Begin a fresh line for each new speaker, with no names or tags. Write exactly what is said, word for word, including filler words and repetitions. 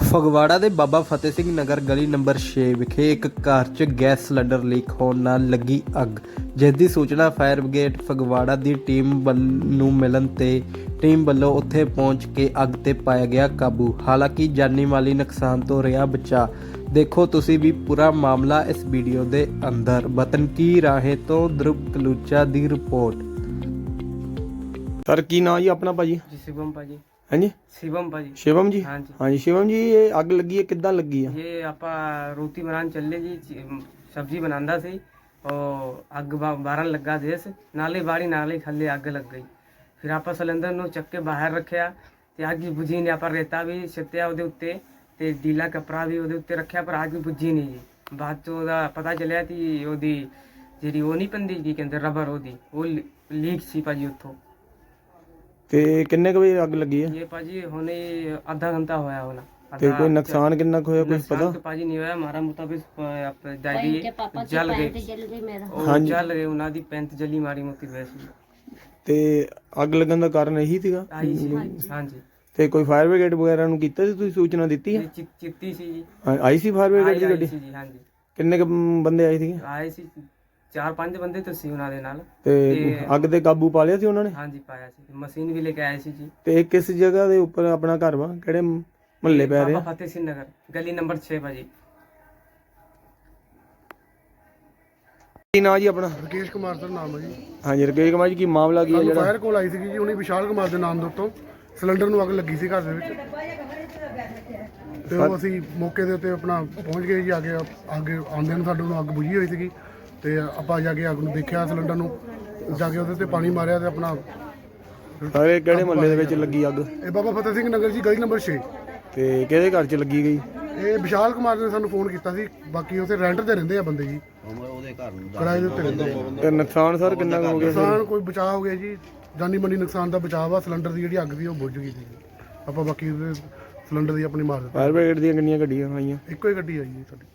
ਫਗਵਾੜਾ ਦੇ ਬਾਬਾ ਫਤਿਹ ਸਿੰਘ ਨਗਰ ਗਲੀ ਨੰਬਰ ਛੇ ਵਿਖੇ ਇੱਕ ਘਰ 'ਚ ਗੈਸ ਸਿਲੰਡਰ ਲੀਕ ਹੋਣ ਨਾਲ ਲੱਗੀ ਅੱਗ, ਜਿਸ ਦੀ ਸੂਚਨਾ ਫਾਇਰ ਬ੍ਰਿਗੇਡ ਫਗਵਾੜਾ ਦੀ ਟੀਮ ਵੱਲ ਨੂੰ ਮਿਲਣ ਤੇ ਟੀਮ ਵੱਲੋਂ ਉੱਥੇ ਪਹੁੰਚ ਕੇ ਅੱਗ ਤੇ ਪਾਇਆ ਗਿਆ ਕਾਬੂ। ਹਾਲਾਂਕਿ ਜਾਨੀ ਮਾਲੀ ਨੁਕਸਾਨ ਤੋਂ ਰਿਹਾ ਬਚਾ। ਦੇਖੋ ਤੁਸੀਂ ਵੀ ਪੂਰਾ ਮਾਮਲਾ ਇਸ ਵੀਡੀਓ ਦੇ ਅੰਦਰ। ਵਤਨ ਕੀ ਰਾਹੇ ਤੋਂ ਧਰੁਵ ਕਲੂਚਾ ਦੀ ਰਿਪੋर्ट।
सर की नाम जी अपना भाजी?
जी शिवम भाजी।
हाँ जी
शिवम भाजी।
शिवम जी?
हाँ जी।
हाँ जी शिवम जी, ये अग लगी है किद्दां लगी है?
ये आपा रोटी बनाने चले जी, सब्जी बनांदा सी और अग बारन लगा देस नाले बाड़ी नाले थले अग लग गई। फिर आपा सिलेंडर नु चक के बाहर रखिया ते अग बुझी नहीं। आपा रेता भी सिੱਟਿਆ ਉਹਦੇ ਉੱਤੇ ਤੇ ढीला कपड़ा भी ਉਹਦੇ ਉੱਤੇ ਰੱਖਿਆ ਪਰ अग बुझी नहीं जी। ਬਾਅਦ ਚ ਉਹਦਾ ਪਤਾ ਚੱਲਿਆ ਕਿ ਉਹਦੀ ਜਿਹੜੀ ਉਹ ਨਹੀਂ ਪੰਦੀ ਕੀ ਕਹਿੰਦੇ ਰਬਰ ਉਹਦੀ ਉਹ ਲੀਕ ਸੀ ਭਾਜੀ ਉੱਥੋਂ।
ਤੇ ਕਿੰਨੇ ਕੁ ਵਜੇ ਅੱਗ ਲੱਗੀ ਹੈ?
ये पाजी होने आधा घंटा होया होना।
ਤੇ ਕੋਈ ਨੁਕਸਾਨ ਕਿੰਨਾ ਕੁ ਹੋਇਆ ਕੁਝ
नुकसान
पता?
तो पाजी नहीं होया हमारा मुताबिक दादी जल गए और
हाँ जी।
जल गए उन्हां दी पैंत जली मारी मोती वैसी
ਤੇ ਅੱਗ ਲੱਗਣ ਦਾ ਕਾਰਨ ਇਹੀ ਸੀਗਾ?
आई सी। हां जी।
ਤੇ ਕੋਈ ਫਾਇਰ ਬ੍ਰਿਗੇਡ ਵਗੈਰਾ ਨੂੰ ਕੀਤਾ ਸੀ, ਤੁਸੀਂ ਸੂਚਨਾ ਦਿੱਤੀ ਹੈ?
ये चित- चित्ती सी जी।
ਹਾਂ, ਆਈ ਸੀ ਫਾਇਰ ਬ੍ਰਿਗੇਡ
आई
ਦੀ
आई
ਗੱਡੀ?
सी जी। हां जी।
ਕਿੰਨੇ ਕੁ ਬੰਦੇ ਆਏ ਸੀਗੇ?
आए सी चार पांच बंदे तो सी उन्हां दे नाल।
ਤੇ
ਤੇ-
ਅੱਗ ਤੇ ਕਾਬੂ ਪਾ ਲਿਆ ਸੀ ਉਹਨਾਂ ਨੇ?
हां जी पाया सी। मशीन भी लेके आए सी जी।
ਤੇ ਇਹ ਕਿਸ ਜਗ੍ਹਾ ਦੇ ਉੱਪਰ ਆਪਣਾ ਘਰ ਵਾ, ਕਿਹੜੇ ਮਹੱਲੇ ਪੈ
बाबा
ਰਿਹਾ?
फतेह सिंह नगर गली नंबर छह भाजी।
ਕੀ ਨਾਂ ਜੀ ਆਪਣਾ?
ਰਕੇਸ਼ ਕੁਮਾਰ ਸਰ ਨਾਮ ਹੈ ਜੀ।
ਹਾਂਜੀ ਰਕੇਸ਼ ਕੁਮਾਰ ਜੀ, ਕੀ ਮਾਮਲਾ ਕੀ ਹੈ
ਸਾਨੂੰ
ਜਿਹੜਾ?
ਫਾਇਰ ਕੋਲ ਆਈ ਸੀਗੀ ਜੀ, ਉਹਨੇ ਵਿਸ਼ਾਲ ਕੁਮਾਰ ਦੇ ਨਾਮ ਦੇ ਉੱਤੋਂ ਸਿਲੰਡਰ ਨੂੰ ਅੱਗ ਲੱਗੀ ਸੀ ਘਰ ਦੇ ਵਿੱਚ ਤੇ ਉਹ ਅਸੀਂ ਮੌਕੇ ਦੇ ਉੱਤੇ ਆਪਣਾ ਪਹੁੰਚ ਗਏ ਜੀ। ਆ ਕੇ ਅੱਗ ਆਉਂਦਿਆਂ ਨੂੰ ਸਾਡੇ ਨੂੰ ਅੱਗ ਬੁਝੀ ਹੋਈ ਸੀਗੀ ਤੇ ਆਪਾਂ ਜਾ ਕੇ ਅੱਗ ਨੂੰ ਦੇਖਿਆ, ਸਿਲੰਡਰ ਨੂੰ ਜਾ ਕੇ ਉਹਦੇ ਤੇ ਪਾਣੀ ਮਾਰਿਆ ਤੇ ਆਪਣਾ
ਸਾਰੇ ਕਿਹੜੇ ਮਹੱਲੇ ਦੇ ਵਿੱਚ ਲੱਗੀ ਅੱਗ?
ਇਹ ਬਾਬਾ ਫਤਿਹ ਸਿੰਘ ਨਗਰ ਜੀ ਗਲੀ ਨੰਬਰ ਛੇ।
ਤੇ ਕਿਹਦੇ ਘਰ 'ਚ ਲੱਗੀ ਗਈ?
ਇਹ ਵਿਸ਼ਾਲ ਕੁਮਾਰ ਨੇ ਸਾਨੂੰ ਫੋਨ ਕੀਤਾ ਸੀ। ਬਾਕੀ ਉੱਥੇ ਰੈਂਟ ਤੇ ਰਹਿੰਦੇ ਆ ਬੰਦੇ ਜੀ, ਕਿਰਾਏ ਦੇ ਉੱਤੇ ਰਹਿੰਦੇ ਆ।
ਤੇ ਨੁਕਸਾਨ ਸਰ ਕਿੰਨਾ ਕੁ ਹੋ ਗਿਆ?
ਨੁਕਸਾਨ ਕੋਈ ਬਚਾਅ ਹੋ ਗਿਆ ਜੀ, ਜਾਨੀ ਮਾਲੀ ਨੁਕਸਾਨ ਦਾ ਬਚਾਅ ਵਾ। ਸਿਲੰਡਰ ਦੀ ਜਿਹੜੀ ਅੱਗ ਸੀ ਉਹ ਬੁਝ ਗਈ ਸੀ। ਆਪਾਂ ਬਾਕੀ ਉਹਦੇ ਸਿਲੰਡਰ ਦੀ ਆਪਣੀ ਮਾਰ ਦਿੱਤੀ।
ਫਾਇਰ ਬ੍ਰਿਗੇਡ ਦੀਆਂ ਕਿੰਨੀਆਂ ਗੱਡੀਆਂ ਆਈਆਂ?
ਇੱਕੋ ਹੀ ਗੱਡੀ ਆਈ ਜੀ ਸਾਡੀ।